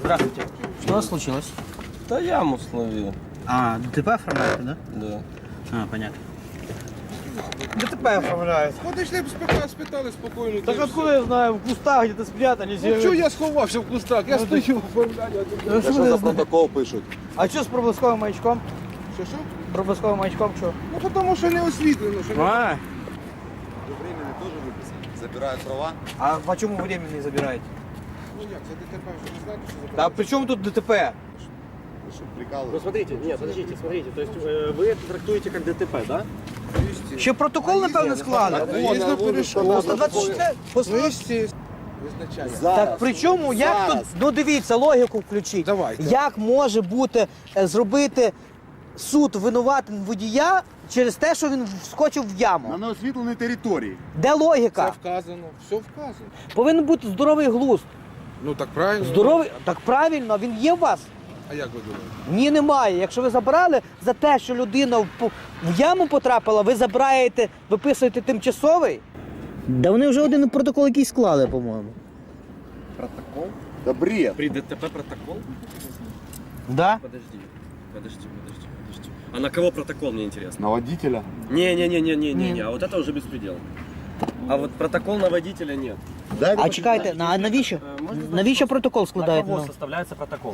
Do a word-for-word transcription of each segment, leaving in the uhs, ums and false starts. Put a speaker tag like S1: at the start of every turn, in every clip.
S1: Здравствуйте. Что у вас случилось?
S2: Да яму словил.
S1: А, ДТП оформляете, да?
S2: Да.
S1: А, понятно. ДТП оформляють.
S3: Ходиш, не спитали, спитали спокійно.
S1: Так откуда я знаю, в кустах где-то спрятались.
S3: Ну чого я сховався в кустах? Я стою оформляю.
S1: Ну,
S4: Що за протокол пишуть?
S1: А що з проблисковим маячком?
S3: Що, що?
S1: Проблисковим маячком що?
S3: Ну тому що не освітлено. Що не...
S1: А,
S4: Временно теж виписано. Забирають права.
S1: а по чому временний забираєте?
S3: Ну як, це ДТП, що не знаєте, що
S1: Да
S3: забрали?
S1: при чому тут ДТП?
S4: Ви що,
S5: Ну
S4: прикалуєте?
S5: смотрите, нет, подождите, смотрите, то есть э, вы это трактуете как ДТП, да?
S1: Ще протокол, напевно, склали?
S3: Їздив, перейшов.
S1: сто двадцять чотири?
S3: Ну, естественно. Визначає.
S1: Так при чому, як тут, ну дивіться, логіку включіть.
S3: Давайте.
S1: Як може бути, е, зробити суд винуватим водія через те, що він вскочив в яму?
S4: На неосвітленій території.
S1: Де
S3: Це
S1: логіка?
S3: вказано, все вказано.
S1: Повинен бути здоровий глузд.
S3: Ну так правильно.
S1: Здоровий, так правильно, він є у вас?
S3: А як ви думаєте?
S1: Ні, немає. Якщо ви забрали за те, що людина в, по- в яму потрапила, ви забираєте, виписуєте тимчасовий? Да вони вже один протокол якийсь склали, по-моєму.
S4: Протокол? Да бред.
S5: При ДТП протокол?
S1: Да?
S5: Подожди, подожди, подожди, подожди. А на кого протокол, мне интересно?
S4: На водителя.
S5: Не-не-не-не-не-не, а вот это уже беспредел. А вот протокол на водителя нет.
S4: Дай
S1: А чекайте, на- а навіщо?
S5: Е, можна
S1: Навіщо протокол
S5: На
S1: складаєте?
S5: кого
S1: Ну?
S5: составляется протокол?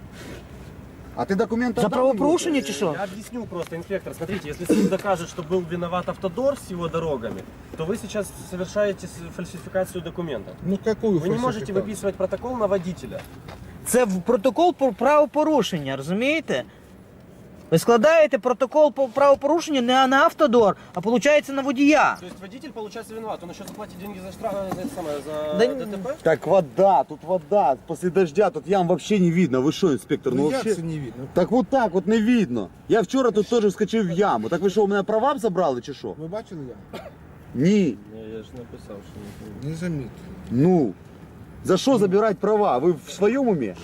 S4: А ты документы
S1: За
S4: отдал
S1: правопорушення
S4: ему?
S1: чи що?
S5: Я объясню просто, инспектор. Смотрите, если суд докажет, что был виноват Автодор с его дорогами, то вы сейчас совершаете с- фальсификацию документов.
S3: Ну какую
S5: Вы не можете выписывать протокол на водителя.
S1: Це в- протокол про правопорушення, розумієте? Ви складаєте протокол по правопорушення не на автодор, а виходить на водія.
S5: То есть водитель получается виноват, он еще заплатит деньги за штраф, за, это самое, за
S1: Да
S5: ДТП?
S4: Так вода, тут вода. После дождя тут ям вообще не видно. Вы что, инспектор? Ну,
S3: Ну
S4: вообще...
S3: як це не видно?
S4: Так вот так вот не видно. Я вчора тут теж вскочив в яму. Так ви що, у мене права забрали чи що?
S3: Ви бачили я?
S4: Ні.
S2: Я ж написав, що не
S3: Не замітив.
S4: Ну, за что забирать права? Вы в своем уме?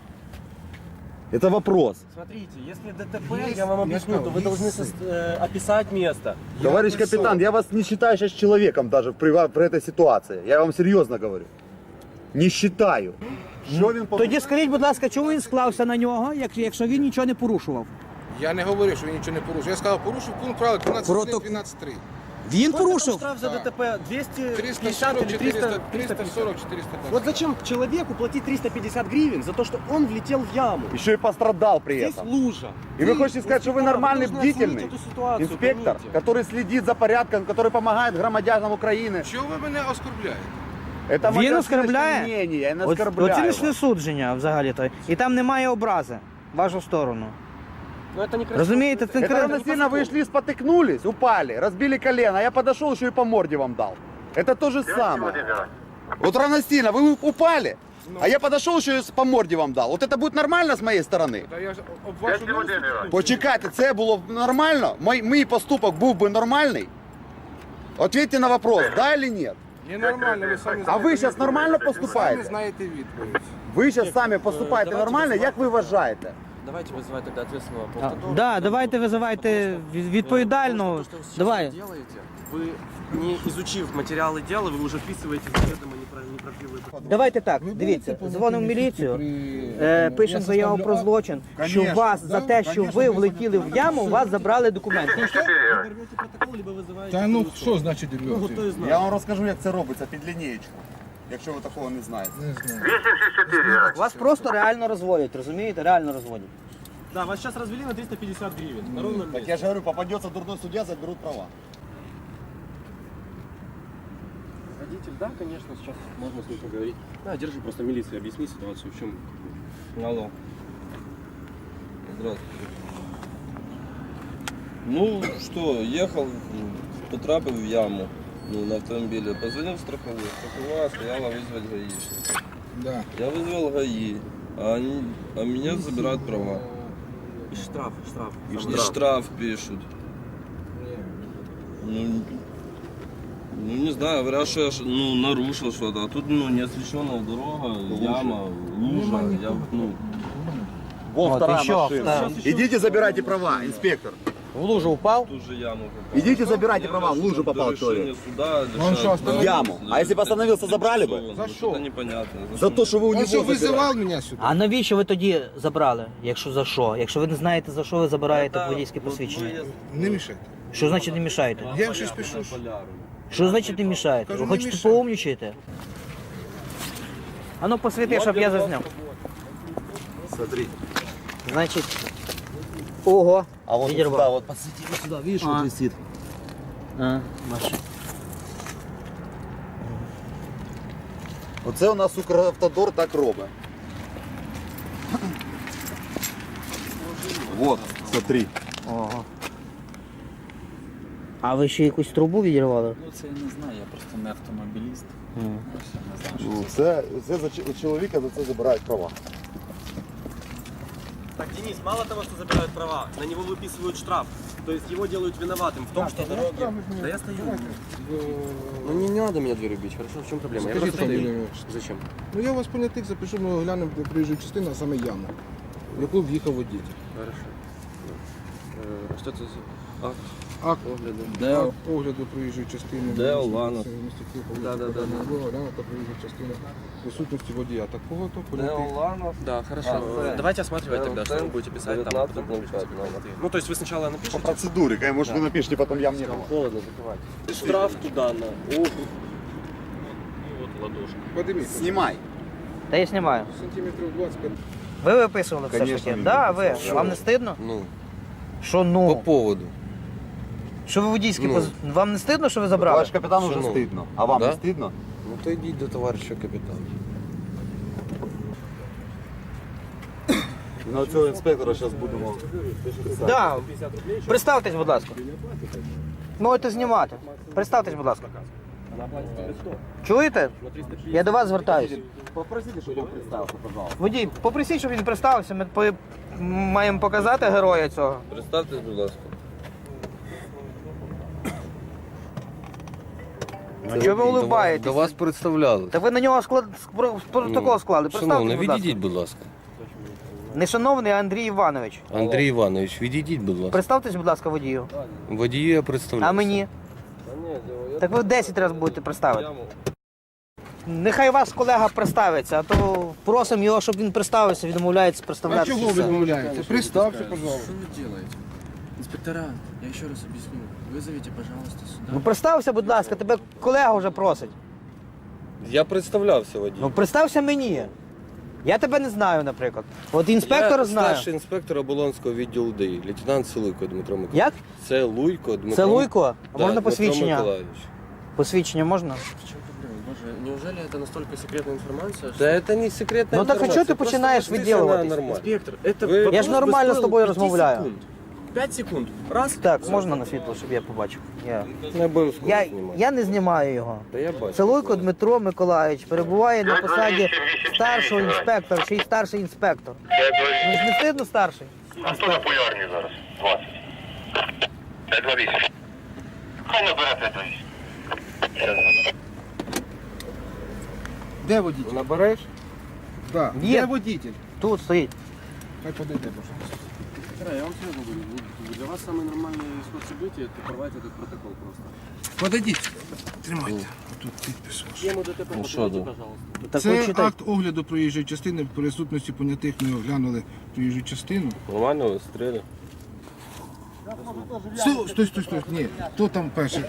S4: Это вопрос.
S5: Смотрите, если ДТП,
S3: Есть,
S5: я вам
S3: я
S5: объясню,
S3: сказал,
S5: то вы
S3: есть
S5: должны
S3: сын.
S5: сос- э, описать место.
S4: Товарищ
S3: написал.
S4: капитан, я вас не считаю сейчас человеком даже при, при этой ситуации. Я вам серьезно говорю. Не считаю. Що він
S1: Тоді скажіть, будь ласка, чому він склався на нього, як- якщо він нічого не порушував?
S3: Я не говорив, що він нічого не порушив. Я сказав, порушив пункт правил
S1: Проток-
S3: дванадцять три.
S1: Він
S5: Сколько там
S1: порушив?
S5: штраф за ДТП? двести пятьдесят
S3: триста сорок,
S5: или триста,
S3: четыреста,
S5: триста
S3: триста
S5: пятьдесят?
S3: сорок, четыреста пятьдесят.
S5: Вот зачем человеку платить триста пятьдесят гривен за то, что он влетел в яму?
S4: Еще и пострадал при
S5: Здесь
S4: этом.
S5: лужа.
S4: И вы хотите сказать, что вы нормальный,
S5: должны оценить
S4: бдительный
S5: эту ситуацию,
S4: инспектор,
S5: поймите.
S4: который следит за порядком, который помогает громадянам Украины?
S3: Чого ви мене оскорбляєте?
S4: Это
S1: Він
S4: моє
S1: оскорбляє?
S4: мнение, я не
S1: Оц-
S4: оскорбляю
S1: Оціночне
S4: вас.
S1: судження взагалі-то. І там немає образи в вашу сторону.
S5: Но это некрасиво.
S1: Розумієте, це
S4: Это
S1: кра-
S4: равносильно вы шли, спотыкнулись, упали, разбили колено, а я подошел, еще и по морде вам дал. Это то же самое. Вот равносильно, вы упали, а я подошел, еще и по морде вам дал. Вот это будет нормально с моей стороны?
S3: Та я ж об вашу милость.
S4: Почекайте, це було б нормально? Мій, мій поступок був би нормальний? Ответьте на вопрос, да или нет?
S3: Не нормально, ви самі
S4: А
S3: знаєте
S4: ви щас
S3: відповідь.
S4: нормально
S3: Ви
S4: поступаєте?
S3: самі знаєте відповідь.
S4: Ви зараз самі поступаєте
S5: давайте
S4: нормально,
S5: визивати.
S4: як ви вважаєте?
S5: Давайте вызывать тогда ответственного по
S1: А,
S5: Автодору.
S1: да, давайте визивайте від- відповідального.
S5: Потому что то, что вы сейчас
S1: Давай.
S5: делаете, вы, не изучив материалы дела, вы уже вписываете заведомо непра- неправдивые.
S1: Давайте так,
S3: Ви
S1: дивіться,
S3: будете
S1: дзвонимо в
S3: повинні
S1: міліцію,
S3: при-
S1: е,
S3: Я
S1: пишемо заяву
S3: составлю
S1: про
S3: акт.
S1: злочин, що
S4: Конечно,
S1: вас за
S3: да,
S1: те, що
S3: конечно,
S1: ви
S3: ви
S1: влетіли в яму, у вас забрали документи.
S5: Вы берете протокол, либо вызываете...
S3: Та ну
S5: полицию.
S3: що значить
S5: Ну,
S3: рвете?
S5: то есть, знаю.
S4: Я вам розкажу, як це робиться під лінієчку, якщо ви такого не знаєте.
S3: Не знаю.
S1: Вас просто реально розводять, розумієте? Реально розводять.
S5: Да, вас сейчас развели на триста пятьдесят гривен. На ровном
S4: Так
S5: месте.
S4: я ж говорю, попадется дурной судья, заберут права.
S5: Водитель, да, конечно, сейчас можно с ним поговорить. Да, держи просто милиции, объясни ситуацию, в чем...
S2: Алло. Здравствуйте. Ну что, ехал, потрапив в яму, ну, на автомобиле. Позвонил в страховую. Страховая стояла вызвать гаишника.
S3: Да.
S2: Я вызвал ГАИ, а, они, а меня забирают права.
S5: И штраф, штраф.
S2: И
S5: Сам
S2: штраф пишут. Ну, ну не знаю, говорят, что я ш- ну, нарушил что-то, а тут ну, неосвещенная дорога, яма, лужа. Я, ну,
S4: Вон
S1: Вот
S4: вторая
S1: еще
S4: машина.
S1: вторая.
S4: Идите забирайте права, инспектор.
S1: В лужу упав?
S2: Ту же яму попал.
S4: Идите забирайте
S2: Я
S4: права, в лужу
S2: до
S4: попал
S2: решения
S4: человек.
S2: суда
S3: Он что,
S2: лишают
S3: остановил?
S4: В яму. А если бы остановился, забрали бы?
S2: Ну,
S3: За
S2: что-то
S3: что?
S2: непонятно.
S4: За то, что вы у
S3: Он
S4: него
S3: что,
S4: забирали.
S3: вызывал меня сюда?
S1: А навіщо ви тоді забрали? Якщо за що? Якщо ви не знаєте, за що ви забираєте
S2: Это
S1: водійське
S2: вот
S1: посвідчення?
S2: выезд
S3: Не мешайте.
S1: Що значить не мішаєте?
S3: Я вам щось пишу.
S2: на поляру.
S1: Що значить не мішаєте?
S3: Кажу,
S1: Ви
S3: не
S1: хочете
S3: мішаю.
S1: поумнічаєте? А ну посвіти, щоб я зазняв.
S4: Смотри.
S1: Значить. Ого.
S4: А вот
S1: Відірвав.
S4: сюда, вот подсвети вот сюда, видишь,
S1: А.
S4: вот висит.
S1: А, Маша.
S4: Оце у нас Укравтодор так робить. Вот, смотри.
S1: Ого. А ви ще якусь трубу відірвали?
S6: Ну це я не знаю, я просто не автомобіліст.
S1: М.
S6: Я ще не знаю, що
S4: Ну,
S6: це.
S4: Це, це за ч- у чоловіка за це забирають права.
S5: Так, Денис, мало того, что забирают права, на него выписывают штраф. То есть его делают виноватым в том, что дороги... Да я стою.
S7: Ну не, не надо меня дверью бить, хорошо? В чем проблема?
S3: Скажіть,
S7: я просто
S3: фамілію,
S7: стою.
S3: ім'я, отчество.
S7: Зачем?
S3: Ну я вас понятих запишу, ми глянемо де проїжджу частину, а саме яму, в яку в'їхав водій.
S7: Хорошо. Э, Что это за акт
S3: Акт
S7: огляду?
S3: акт огляду проїжджої частини.
S2: Де Оланов?
S3: Да, да, да. Оглянув та проїжджої частини присутності водія. Такого то понятих.
S2: Неоланов.
S7: Да, хорошо.
S2: А,
S7: Э,
S2: да.
S7: Давайте осматривать
S2: Да,
S7: тогда, что
S2: да.
S7: вы будете писать там.
S2: девятнадцать
S7: потом
S2: ноль
S7: напишите
S2: пять,
S7: какие-то
S2: номер.
S7: ты. Ну, то есть вы сначала
S4: По
S7: напишите.
S4: процедуре, конечно, может вы напишите, потом я мне было.
S7: Холодно, закрывайте.
S5: Штраф туда на. Ох. Вот ладошка.
S3: Подивіться.
S4: Снимай.
S1: Та я знімаю.
S3: Сантиметрів двадцять.
S1: Ви виписували все ж
S4: Конечно,
S1: таки?
S4: він
S1: Да, ви.
S4: виписав.
S1: Вам не стидно?
S7: Ну,
S1: Що
S7: по
S1: ну?
S7: поводу.
S1: Що ви водійські
S7: Ну.
S1: поз... Вам не стидно, що ви забрали?
S4: Товарищ капитан уже
S7: Шановний.
S4: стыдно. А вам
S7: Да?
S4: не стыдно?
S7: Ну то идите до товарища капитана.
S4: На цього інспектора зараз будемо.
S1: Да. Представтесь, будь ласка. Можете знімати. Представтесь, будь ласка. Чуєте? Я до вас звертаюся.
S4: Попросите, щоб він представився, пожалуйста.
S1: Водій, попросіть, щоб він представився. Ми по- маємо показати героя цього.
S2: Представтесь, будь ласка.
S1: Ну, чого ви улыбаєтесь?
S7: До вас представляли.
S1: Та ви на нього склад... спро- протокол склали. Представте,
S7: Шановний,
S1: будь ласка.
S7: відійдіть, будь ласка.
S1: Не шановний, а Андрій Іванович.
S7: Андрій Іванович, відійдіть, будь ласка.
S1: Представтесь, будь ласка, водію.
S7: Водію я представляю.
S1: А мені?
S2: Та ні, я
S1: Так ви десять разів будете представити.
S2: яму.
S1: Нехай ваш колега представиться, а то просимо його, щоб він представився, відмовляється
S3: А
S1: представлятися.
S3: чого ви відмовляєте? Представте, пожалуйста.
S6: Что вы делаете? Инспектора, я еще раз объясню. Вызовите, пожалуйста, сюда.
S1: Ну представся, будь ласка, тебе колега вже просить.
S2: Я представлявся водій.
S1: Ну представся мені. Я тебе не знаю, наприклад. От інспектор
S7: я
S1: знає.
S7: старший інспектор Оболонського відділу ДАІ, лейтенант Целуйко Дмитро Миколаївич.
S1: Як?
S7: Це Луйко Дмитро.
S1: Це Луйко? А
S7: Да,
S1: можна
S7: Дмитро
S1: посвідчення?
S7: Миколаївич.
S1: Посвідчення можна?
S6: В чем проблема? Боже, неужели это настолько секретная информация, что...
S7: Да это не секретна
S1: Ну так а
S7: інформація,
S1: чого ти
S7: просто
S1: починаєш
S7: вона
S1: відділуватись?
S7: нормально.
S6: Инспектор, это
S7: Вы-
S6: вопрос
S1: Я ж нормально
S6: бы
S1: з
S6: стоил
S1: тобою
S6: пяти
S1: розмовляю.
S6: секунд. Пять секунд. Раз.
S1: Так, можна на світло, щоб я побачив. Я,
S7: Не обов'язково
S1: я,
S7: знімати.
S1: я не знімаю його.
S7: Та я бачу.
S1: Целуйко Дмитро Миколаївич перебуває на посаді старшого інспектора, ще й старший інспектор. Ну ж не стидно старший?
S8: А хто популярний зараз? двадцять. п'ять два вісім. Хай набере п'ять два вісім.
S3: Де водій?
S7: Набереш?
S3: Да.
S1: Є.
S3: Де водитель?
S1: Тут стоїть.
S3: Хай подойде, пожалуйста.
S5: Инспектора, я вам серьезно говорю, ну, для вас самый нормальный исход событий это порвать этот протокол просто.
S3: Подойдіть. Тримайте. Тут підпис ваш.
S5: Тему ДТП
S2: Ну, що
S5: подивіться,
S2: да?
S5: пожалуйста.
S1: Так
S3: Це
S1: ви читайте.
S3: акт огляду проїжджої частини в присутності понятих. Ми оглянули проїжджу частину.
S2: Нормально ви стріли.
S3: Стой, стой, стой, стой. Ні, хто там перший?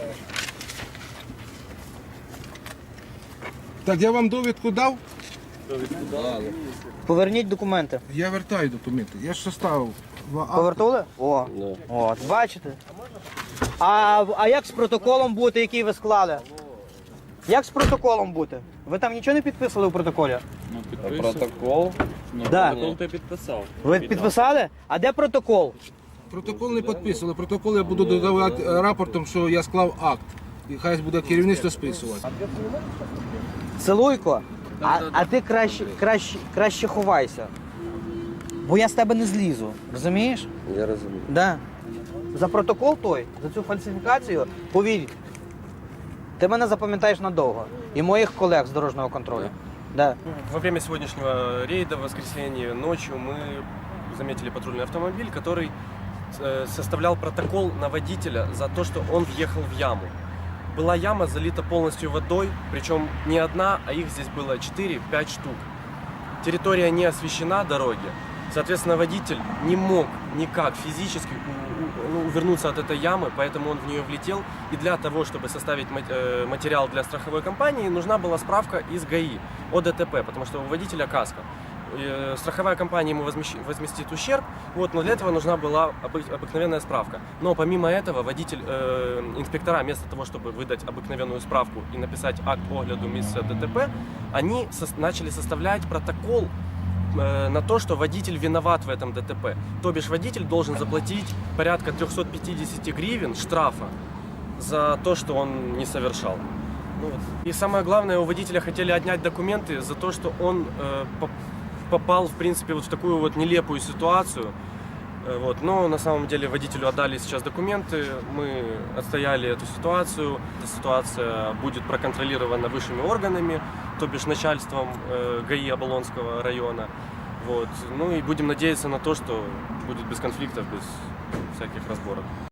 S3: Так, я вам довідку дав,
S1: Поверніть документи.
S3: я вертаю документи. Я ж составив два акти.
S1: Повертули? О,
S2: Да.
S1: от, бачите. А, а як з протоколом бути, який ви склали? Як з протоколом бути? Ви там нічого не підписували у протоколі?
S2: А протокол?
S1: Да.
S5: Протокол ты подписал.
S1: Ви підписали? А де протокол?
S3: Протокол не підписували. Протокол я буду додавати е, рапортом, що я склав акт. І хай буде керівництво списувати.
S1: Целуйко, а, а ти краще, краще, краще ховайся. Бо я з тебе не злізу. Розумієш?
S7: Я розумію.
S1: Да. За протокол той, за цю фальсифікацію, повір, ти мене запам'ятаєш надовго. І моїх колег з дорожнього контролю. Да.
S5: Во время сегодняшнего рейда в воскресенье ночью мы заметили патрульный автомобиль, который э, составлял протокол на водителя за то, что он въехал в яму. Была яма залита полностью водой, причем не одна, а их здесь было четыре-пять штук. Территория не освещена, дороги. Соответственно, водитель не мог никак физически у- у- ну, увернуться от этой ямы, поэтому он в нее влетел. И для того, чтобы составить мат- э, материал для страховой компании, нужна была справка из ГАИ о ДТП, потому что у водителя каска. Э, Страховая компания ему возмещ- возместит ущерб, вот, но для этого нужна была обы- обыкновенная справка. Но помимо этого водитель, э, инспектора, вместо того, чтобы выдать обыкновенную справку и написать акт огляду места ДТП, они сос- начали составлять протокол э, на то, что водитель виноват в этом ДТП. То бишь водитель должен заплатить порядка триста пятьдесят гривен штрафа за то, что он не совершал. Ну вот. И самое главное, у водителя хотели отнять документы за то, что он э, поп- попал, в принципе, вот в такую вот нелепую ситуацию. Э, Вот. Но на самом деле водителю отдали сейчас документы, мы отстояли эту ситуацию. Эта ситуация будет проконтролирована высшими органами, то бишь начальством э, ГАИ Оболонского района. Вот. Ну и будем надеяться на то, что будет без конфликтов, без всяких разборок.